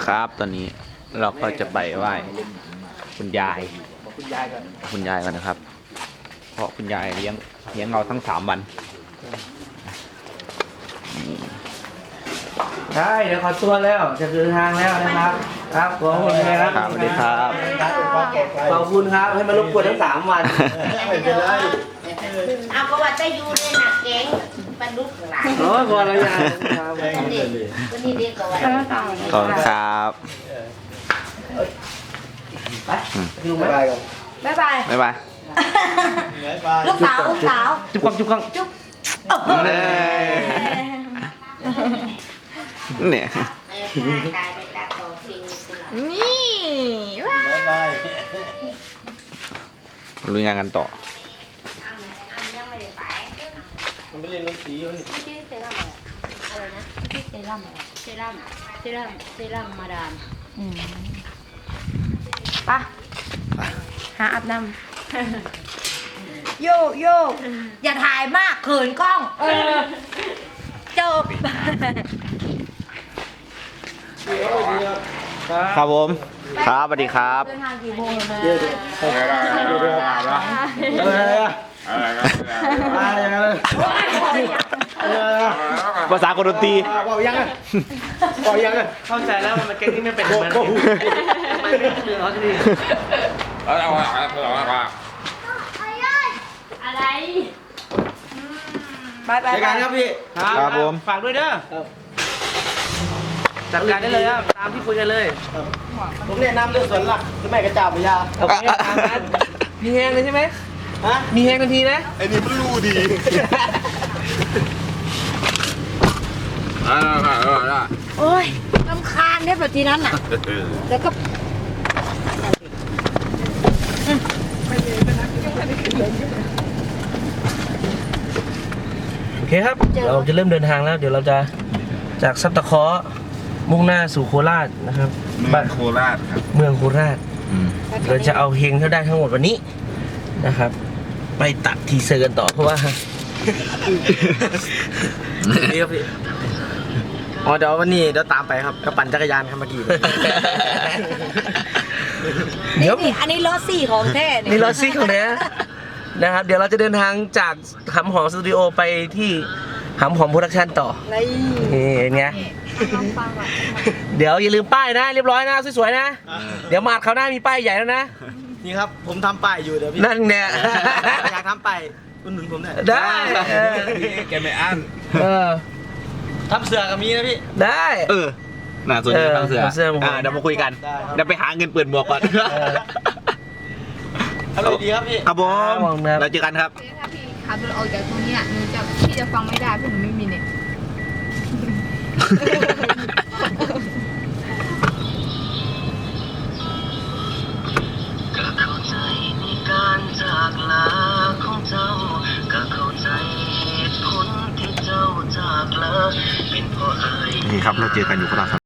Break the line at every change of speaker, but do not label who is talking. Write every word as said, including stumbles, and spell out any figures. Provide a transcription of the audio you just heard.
ครับตอนนี้เราก็จะไปไหว้คุณยายคุณยายกันคุณยายกันนะครับเพราะคุณยายเลี้ยงเลี้ยงเราทั้งสามวัน
ใช่เดี๋ยวขอตัวแล้วจะเดินทางแล้วนะครับครับขอบคุณครับ
สวัสดีครับ
ขอบคุณครับให้มารบกวนทั้งสามวันไม่เป็นไร
เอาก็ว่าจะอยู่ในหนักแกงปลาดุกหลาย
โอ้ก่อนแล้วยังครับ
วันนี้วันนี้เด็กก็ว่า
ขอบคุณครับ
ไปลุงไปก่อน
บ๊ายบาย
บ๊ายบาย
ลูกสาวลูกสาว
จุ๊บกล้องจุ๊บกล้อง
จุ๊บ
เนี่ย
กลายเป็นตาโตฟิน
นี่ว้า
ลุยงานกันต่อ
ยังไม่ได้ไป
มันไม่เล่นดนตรีมัน
ชื่อเซรั่มอะไรนะชื่อเซรั่มอะไรเซรั่มเซรั่มเซรั่มมาดามปะหาอาบน้ำ
โยโย่อย่าถ่ายมากเขินกล้องเออจบ
ครับผมครับสวัสดีครับ
เดินทางกี่โมงนะ
อะไรอะอะไรอย่างเงี้ย
ภาษาคนดนตรี
บอกยังอ่ะบอกยังอ่ะเข้าใจแล้วมันเก่งที่ไม่เป็นมันมันไม่เรื่องเขาจะดี
อะไร
ไปไป
รายการครับพี่
ครับผม
ฝากด้วยเด้อจัดการได้เลยครับตามที่คุยกันเลยผมแนะนำเรื่องสวนหลักคือแม่กระจาบพยาโอเคตามนั้นมีแฮงเลยใช่ไหมฮะมีแฮงทันทีนะ
ไอ้นี่มันรู้ดี
โอ้ยรำคาญเนี่ยแบบทีนั้นน่ะแล้วก็
โอเคครับเราจะเริ่มเดินทางแล้ว เดี๋ยวเราจะจากซับตะเคาะมุ่งหน้าสู่โคราชนะครับ
บ้านโคราชครับ
เมืองโคราชเราจะเอาเฮงเท่าได้ทั้งหมดวันนี้นะครับ ไปตัดทีเซอร์กันต่อเพราะว่านี่ครับพี่อ๋อเดี๋ยววันนี้เดี๋ยวตามไปครับกระปั่นจักรยานครับเมื่อกี้เดี๋ยว
นี่อันนี้รถสี่ของแท้
นี่รถซิ่งของเนี้ยนะครับ เดี๋ยวเราจะเดินทางจากหำหอมสตูดิโอไปที่หำหอมโปรดักชั่นต่อนี่อย่างเงี้ยเดี๋ยวอย่าลืมป้ายนะเรียบร้อยนะสวยๆนะเดี๋ยวมาดเขาวหน้ามีป้ายใหญ่แล้วนะ
นี่ครับผมทำป้ายอยู่เดี๋ยวพี่
นั่นเนี่ย
อยากทำป้ายคุณหนุนผมหน่อย
ได้
แกไม่อั้น
เออ
ทำเสือกับมีนะพี่
ได้
เออน่าสนใจทางเสือ
เออทางเสือ
อ่าเดี๋ยวมาคุยกัน
ได้ครับ
เดี๋ยวไปหาเงินเปิดหมวกก่อน
ทำอะไรดีครับพี่
ครับผม
ครับ
เราเจอกันครับ
ถ้าพี่ขับรถออกจากตรงเนี้ยหนูจะพี่จะฟังไม่ได้เพราะหนูไม่มีเน็ต
ก็เข้าใจในการจากลาของเจ้าก็เข้าใจเหตุผลที่เจ้าจากลาเป็นเพราะอาย
นี่ครับเราเจอกันอยู่โคราช